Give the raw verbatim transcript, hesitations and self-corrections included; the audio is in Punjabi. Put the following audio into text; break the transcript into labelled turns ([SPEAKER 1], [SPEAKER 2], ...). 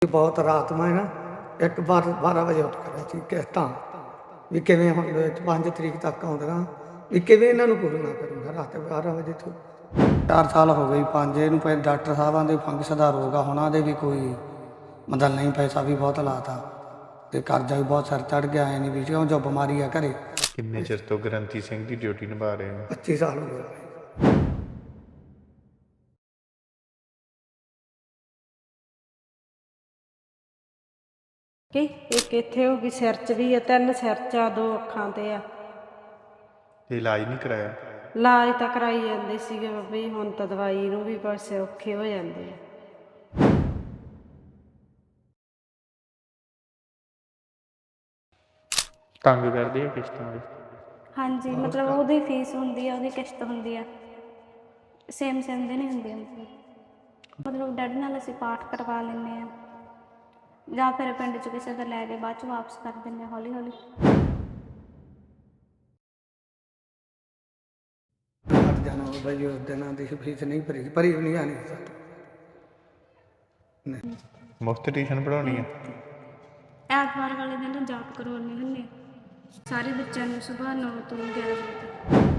[SPEAKER 1] ਬਹੁਤ ਰਾਤ ਮੈਂ ਨਾ ਇੱਕ ਵਾਰ ਬਾਰਾਂ ਵਜੇ ਉੱਠ ਕਰਿਆ ਸੀ ਕਿਸ਼ਤਾਂ ਵੀ ਕਿਵੇਂ ਹੁਣ ਪੰਜ ਤਰੀਕ ਤੱਕ ਆਉਂਦੀਆਂ ਵੀ ਕਿਵੇਂ ਇਹਨਾਂ ਨੂੰ ਪੂਰੀਆਂ ਕਰੂੰਗਾ ਰਾਤ ਬਾਰਾਂ ਵਜੇ ਤੋਂ ਚਾਰ ਸਾਲ ਹੋ ਗਏ ਪੰਜ ਇਹਨੂੰ ਪਹਿਲਾਂ ਡਾਕਟਰ ਸਾਹਿਬਾਂ ਦੇ ਫੰਗਸ ਦਾ ਰੋਗ ਆ ਉਹਨਾਂ ਦੇ ਵੀ ਕੋਈ ਮਤਲਬ ਨਹੀਂ ਪੈਸਾ ਵੀ ਬਹੁਤ ਲਾਤਾ ਤੇ ਕਰਜ਼ਾ ਵੀ ਬਹੁਤ ਸਿਰ ਚੜ ਗਿਆ ਐ ਨਹੀਂ ਵੀ ਕਿਉਂ ਜੋ ਬਿਮਾਰੀ ਆ ਘਰੇ।
[SPEAKER 2] ਕਿੰਨੇ ਚਿਰ ਤੋਂ ਗ੍ਰੰਥੀ ਸਿੰਘ ਦੀ ਡਿਊਟੀ ਨਿਭਾ ਰਹੇ ਹੋ?
[SPEAKER 1] ਪੱਚੀ ਸਾਲ ਹੋ ਗਏ।
[SPEAKER 3] ਕਿ ਇੱਕ ਇੱਥੇ ਹੋ ਗਈ ਸਿਰ 'ਚ ਵੀ ਆ, ਤਿੰਨ ਸਿਰ 'ਚ ਆ, ਦੋ ਅੱਖਾਂ ਤੇ ਆ।
[SPEAKER 2] ਤੇ ਇਲਾਜ ਨਹੀਂ ਕਰਾਇਆ?
[SPEAKER 3] ਇਲਾਜ ਤਾਂ ਕਰਾਈ ਜਾਂਦੇ ਸੀਗੇ ਬਾਬਾ ਜੀ, ਹੁਣ ਤਾਂ ਦਵਾਈ ਨੂੰ ਵੀ ਪਾਸੇ ਔਖੇ ਹੋ ਜਾਂਦੇ ਆ।
[SPEAKER 2] ਤੰਗ ਕਰਦੇ ਆ ਕਿਸ਼ਤਾਂ ਦੇ?
[SPEAKER 4] ਹਾਂਜੀ, ਮਤਲਬ ਉਹਦੀ ਫੀਸ ਹੁੰਦੀ ਆ, ਉਹਦੀ ਕਿਸ਼ਤ ਹੁੰਦੀ ਆ, ਸੇਮ ਸੇਮ ਦੇ ਨਹੀਂ ਹੁੰਦੀ। ਮਤਲਬ ਡੈਡੀ ਨਾਲ ਅਸੀਂ ਪਾਠ ਕਰਵਾ ਲੈਂਦੇ ਹਾਂ ਜਾਂ ਫਿਰ ਪਿੰਡ 'ਚ ਕਿਸੇ ਦਾ ਲੈ ਕੇ ਬਾਅਦ 'ਚ ਵਾਪਸ ਕਰ ਦਿੰਦੇ ਹਾਂ ਹੌਲੀ ਹੌਲੀ।
[SPEAKER 1] ਹਟ ਜਾਣਾ ਬਾਬਾ ਜੀ, ਉਸ ਦਿਨਾਂ ਦੀ ਫੀਸ ਨਹੀਂ ਭਰੀ ਭਰੀ ਵੀ ਨਹੀਂ ਆਣੀ।
[SPEAKER 2] ਮੁਫਤ ਟਿਊਸ਼ਨ ਪੜ੍ਹਾਉਣੀ ਆ?
[SPEAKER 4] ਐਤਵਾਰ ਵਾਲੇ ਦਿਨ ਜਾਪ ਕਰਵਾਉਂਦੇ ਹੁੰਦੇ ਸਾਰੇ ਬੱਚਿਆਂ ਨੂੰ ਸੁਬਾਹ ਨੌ ਤੋਂ ਗਿਆਰਾਂ ਵਜੇ ਤੱਕ।